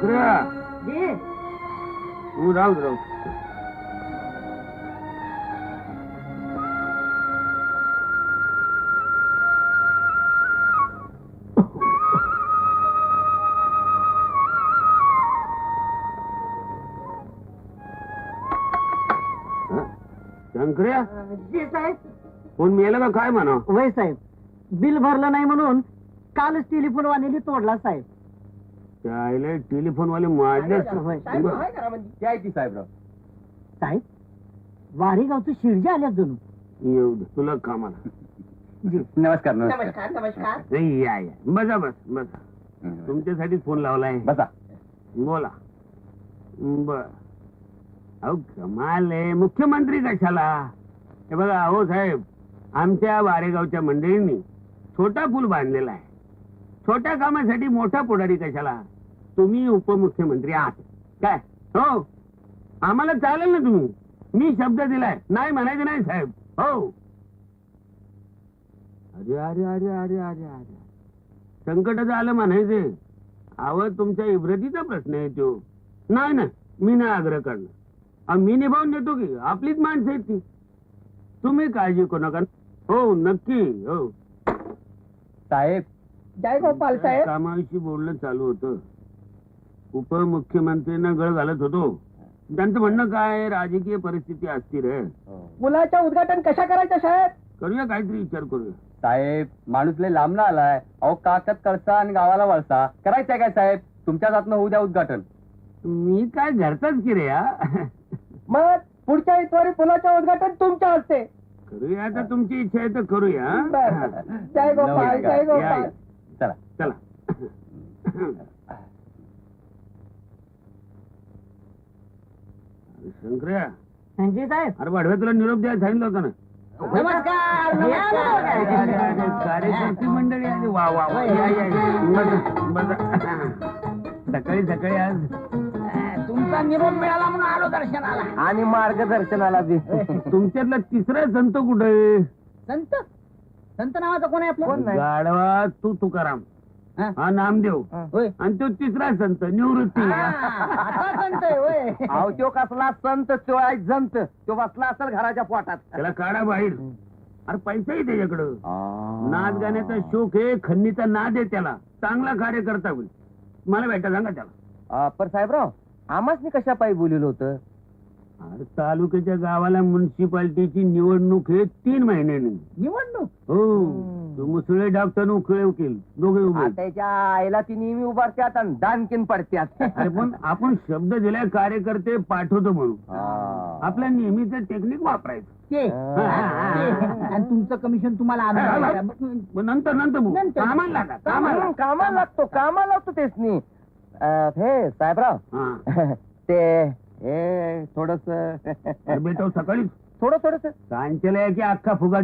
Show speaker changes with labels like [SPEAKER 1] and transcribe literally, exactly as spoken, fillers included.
[SPEAKER 1] शंकर्या
[SPEAKER 2] जी
[SPEAKER 1] तू राहू राहू शंकर्या
[SPEAKER 2] जी साहेब.
[SPEAKER 1] कोण मेलं का काय म्हणा
[SPEAKER 2] वय साहेब, बिल भरलं नाही म्हणून कालच टेलिफोन वाल्याने तोडला साहेब.
[SPEAKER 1] त्याला टेलिफोन वाले मारले
[SPEAKER 2] होय.
[SPEAKER 1] साहेबराव
[SPEAKER 2] साहेब, वारेगावचं शिरजे आल्या जणू.
[SPEAKER 1] येऊ दे तुला कामाला
[SPEAKER 3] नमस्कार
[SPEAKER 2] नमस्कार नमस्कार.
[SPEAKER 1] नाही या या बसा बस बसा तुमच्यासाठी फोन लावलाय
[SPEAKER 3] बसा.
[SPEAKER 1] बोला बर अहो कमाल आहे मुख्यमंत्री कशाला हे बघा अहो साहेब आमच्या वारेगावच्या मंडळींनी छोटा पूल बांधलेला आहे छोट्या कामासाठी मोठा पुढारी कशाला तुम्ही उपमुख्यमंत्री आहात काय हो आम्हाला चालेल ना तुम्ही मी शब्द दिलाय नाही म्हणायचं नाही साहेब हो अरे अरे अरे अरे अरे अरे संकटाचं आलं म्हणायचे अहो तुमच्या इब्रतीचा प्रश्न आहे तो नाही ना मी नाही आग्रह करणार अहो, मी निभावून देतो की आपलीच माणसं आहेत ती तुम्ही काळजी करू नका हो नक्की हो
[SPEAKER 3] साहेब
[SPEAKER 2] जय गोपाल साहेब.
[SPEAKER 1] कामाविषयी बोलणं चालू होतं उपमुख्यमंत्र्यांना गळ घालत होतो त्यांचं म्हणणं काय राजकीय परिस्थिती अस्थिर आहे
[SPEAKER 2] मुलाचं उद्घाटन कशा करायचं साहेब.
[SPEAKER 1] करूया काहीतरी विचार करूया
[SPEAKER 3] साहेब माणूस लय लांब ना आलाय अहो काकत करता आणि गावाला वळसा करायचंय काय साहेब तुमच्याच हातनं होऊ द्या उद्घाटन.
[SPEAKER 1] मी काय घरचाच की रे हा
[SPEAKER 2] मग पुढच्या इतवारी पुलाचं उद्घाटन तुमच्या हस्ते.
[SPEAKER 1] करूया आता तुमची इच्छा आहे तर करूया
[SPEAKER 2] बरं. जय गोपाल जय
[SPEAKER 3] नमस्कार.
[SPEAKER 1] या,
[SPEAKER 2] गोपाल.
[SPEAKER 1] या.
[SPEAKER 3] चला
[SPEAKER 1] चला शंकर्या
[SPEAKER 2] जी साहेब.
[SPEAKER 1] अरे वाढव्या तुला निरोप द्यायला सांगितलं होतं ना
[SPEAKER 2] नमस्कार
[SPEAKER 1] अरे, अरे, अरे, अरे, कार्यकर्ती मंडळी आली वा वा वा या, या, या. बसा, बसा. सकाळी सकाळी आज
[SPEAKER 2] तुमचा निरोप मिळाला म्हणून आलो दर्शनाला.
[SPEAKER 3] आणि मार्गदर्शनाला बी
[SPEAKER 1] तुमच्यातला तिसरा संत कुठे
[SPEAKER 2] संत संत नावाचा कोण आहे आपल्या.
[SPEAKER 3] कोण नाही.
[SPEAKER 1] गाढवा तू तुकाराम
[SPEAKER 2] हा?
[SPEAKER 1] हा नामदेव
[SPEAKER 2] होय.
[SPEAKER 1] आणि तो तिसरा संत निवृत्ती
[SPEAKER 2] आता संत आहे होय.
[SPEAKER 3] अहो तो कसला संत तो आहे जंत तो बसला असेल घराच्या पोटात.
[SPEAKER 1] त्याला काढा बाहेर अरे पैसाही त्याच्याकडं नाच गाण्याचा शोक आहे खन्नीचा नाद आहे त्याला चांगला कार्यकर्ता होईल मला भेटा सांगा त्याला.
[SPEAKER 3] पर साहेबराव आम्हाच कशा पायी बोललो होतं.
[SPEAKER 1] अरे तालुक्याच्या गावाला म्युन्सिपाल्टीची निवडणूक आहे तीन महिन्यांनी
[SPEAKER 2] निवडणूक.
[SPEAKER 1] हो तो मुसळे डॉक्टर उखळे वकील दोघे उभे
[SPEAKER 3] त्याच्या आईला ती नेहमी उभारत्यात आणि दानकीन पडत्यात.
[SPEAKER 1] अरे पण आपण शब्द दिलाय कार्यकर्ते पाठवतो म्हणून आपल्या नेहमीचं टेक्निक वापरायचं
[SPEAKER 2] ते
[SPEAKER 1] हा, हा, हा.
[SPEAKER 2] आणि तुमचं कमिशन तुम्हाला आलं.
[SPEAKER 1] मग नंतर नंतर बोलू.
[SPEAKER 2] नंतर.
[SPEAKER 1] कामाला लागा कामाला
[SPEAKER 3] कामाला कामाला लागतो कामाला लागतो तेच नाही. हे साहेबराव
[SPEAKER 1] हा
[SPEAKER 3] ते हे थोडस
[SPEAKER 1] अरे बेटा सकाळी
[SPEAKER 3] थोडं थोडस
[SPEAKER 1] सांचलय की अख्खा फुगा